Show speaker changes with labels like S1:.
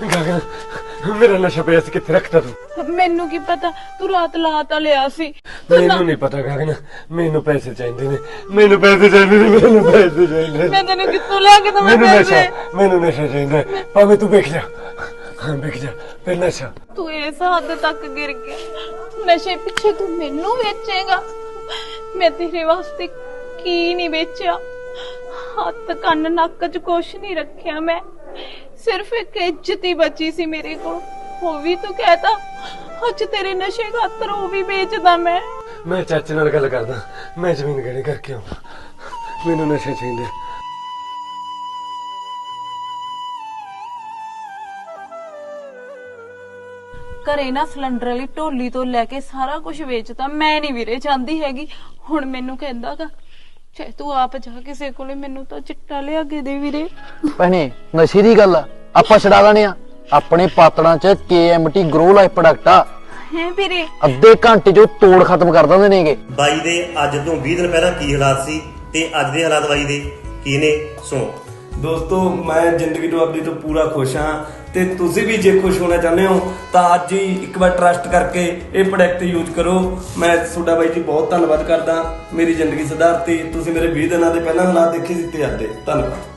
S1: ਗਗਨ ਮੇਰਾ ਨਸ਼ਾ ਪਿਆ ਸੀ ਕਿੱਥੇ ਰੱਖਤਾ ਤੂੰ?
S2: ਮੈਨੂੰ ਕੀ ਪਤਾ ਤੂੰ ਰਾਤ ਲਾਤਾ ਲਿਆ ਸੀ।
S1: ਮੈਨੂੰ ਨਹੀਂ ਪਤਾ ਗਗਨ, ਮੈਨੂੰ ਪੈਸੇ ਚਾਹੀਦੇ ਨੇ, ਮੈਨੂੰ ਪੈਸੇ ਚਾਹੀਦੇ ਨੇ, ਮੈਨੂੰ ਪੈਸੇ ਚਾਹੀਦੇ
S2: ਮੈਂ ਤੈਨੂੰ ਕਿੱਥੋਂ ਲਿਆ ਕੇ ਦਵਾਂ ਪੈਸੇ?
S1: ਮੈਨੂੰ ਨਸ਼ਾ ਚਾਹੀਦਾ ਭਾਵੇਂ ਤੂੰ ਵੇਖ ਜਾ, ਹਾਂ ਵੇਖ ਜਾ ਫਿਰ ਨਸ਼ਾ।
S2: ਤੂੰ ਇਸ ਹੱਦ ਤੱਕ ਗਿਰ ਗਿਆ, ਨਸ਼ੇ ਪਿੱਛੇ ਤੂੰ ਮੈਨੂੰ ਵੇਚੇਗਾ? ਮੈਂ ਤੇਰੇ ਵਾਸਤੇ ਕੀ ਨਹੀਂ ਵੇਚਿਆ, ਹੱਥ ਕੰਨ ਨੱਕ 'ਚ ਕੁਛ ਨਹੀਂ ਰੱਖਿਆ। ਮੈਂ ਸਿਰਫ ਇੱਕ ਇੱਜ਼ਤ ਹੀ ਬਚੀ ਸੀ ਮੇਰੇ ਕੋਲ, ਉਹ ਵੀ ਤੂੰ ਕਹਿਤਾ ਅੱਜ ਤੇਰੇ ਨਸ਼ੇ ਖਾਤਰ ਉਹ ਵੀ ਵੇਚਦਾ। ਮੈਂ
S1: ਚਾਚੇ ਨਾਲ ਗੱਲ ਕਰਦਾ, ਮੈਂ ਜ਼ਮੀਨ ਗਹਿਣੇ ਕਰਕੇ ਆਉਂਦਾ, ਮੈਨੂੰ ਨਸ਼ਾ ਚਾਹੀਦਾ।
S2: ਘਰੇ ਨਾ ਸਿਲੰਡਰ ਵਾਲੀ ਢੋਲੀ ਤੋਂ ਲੈ ਕੇ ਸਾਰਾ ਕੁਝ ਵੇਚਦਾ। ਮੈਂ ਨਹੀਂ ਵੀਰੇ ਚਾਹੁੰਦੀ ਹੈਗੀ। ਹੁਣ ਮੈਨੂੰ ਕਹਿੰਦਾਗਾ ਚਾਹੇ ਤੂੰ ਆਪ ਜਾ ਕਿਸੇ ਕੋਲੇ, ਮੈਨੂੰ ਤਾਂ ਚਿੱਟਾ ਲਿਆ ਕੇ ਦੇ ਵੀਰੇ।
S3: ਭੈਣੇ ਨਸ਼ੇ ਦੀ ਗੱਲ ਆ, ਆਪਾਂ ਛਡਾ ਲੈਣੇ ਆ। ਆਪਣੇ ਪਾਤੜਾਂ 'ਚ KMT ਗਰੋ ਲਾਈਫ ਪ੍ਰੋਡਕਟ ਆ,
S2: ਹੈ ਵੀਰੇ
S3: ਅੱਧੇ ਘੰਟੇ 'ਚ ਤੋੜ ਖਤਮ ਕਰ ਦਿੰਦੇ ਨੇਗੇ।
S4: ਬਾਈ ਦੇ ਅੱਜ ਤੋਂ 20 ਦਿਨ ਪਹਿਲਾਂ ਕੀ ਹਾਲਾਤ ਸੀ ਤੇ ਅੱਜ ਦੇ ਹਾਲਾਤ ਬਾਈ ਦੇ ਕੀ ਨੇ, ਸੁਣੋ।
S5: ਦੋਸਤੋ ਮੈਂ ਜ਼ਿੰਦਗੀ ਤੋਂ ਆਪਣੀ ਤੋਂ ਪੂਰਾ ਖੁਸ਼ ਹਾਂ ਤੇ ਤੁਸੀਂ ਵੀ ਜੇ ਖੁਸ਼ ਹੋਣਾ ਚਾਹੁੰਦੇ ਹੋ ਤਾਂ ਅੱਜ ਹੀ ਇੱਕ ਵਾਰ ਟਰਸਟ ਕਰਕੇ ਇਹ ਪ੍ਰੋਡਕਟ ਯੂਜ਼ ਕਰੋ। ਮੈਂ ਤੁਹਾਡਾ ਬਾਈ ਜੀ ਬਹੁਤ ਧੰਨਵਾਦ ਕਰਦਾ, ਮੇਰੀ ਜ਼ਿੰਦਗੀ ਸੁਧਾਰਤੀ। ਤੁਸੀਂ ਮੇਰੇ 20 ਦਿਨਾਂ ਦੇ ਪਹਿਲਾਂ ਹਾਲਾਤ ਦੇਖੇ ਸੀ ਤੇ ਅੱਜ ਦੇ। ਧੰਨਵਾਦ।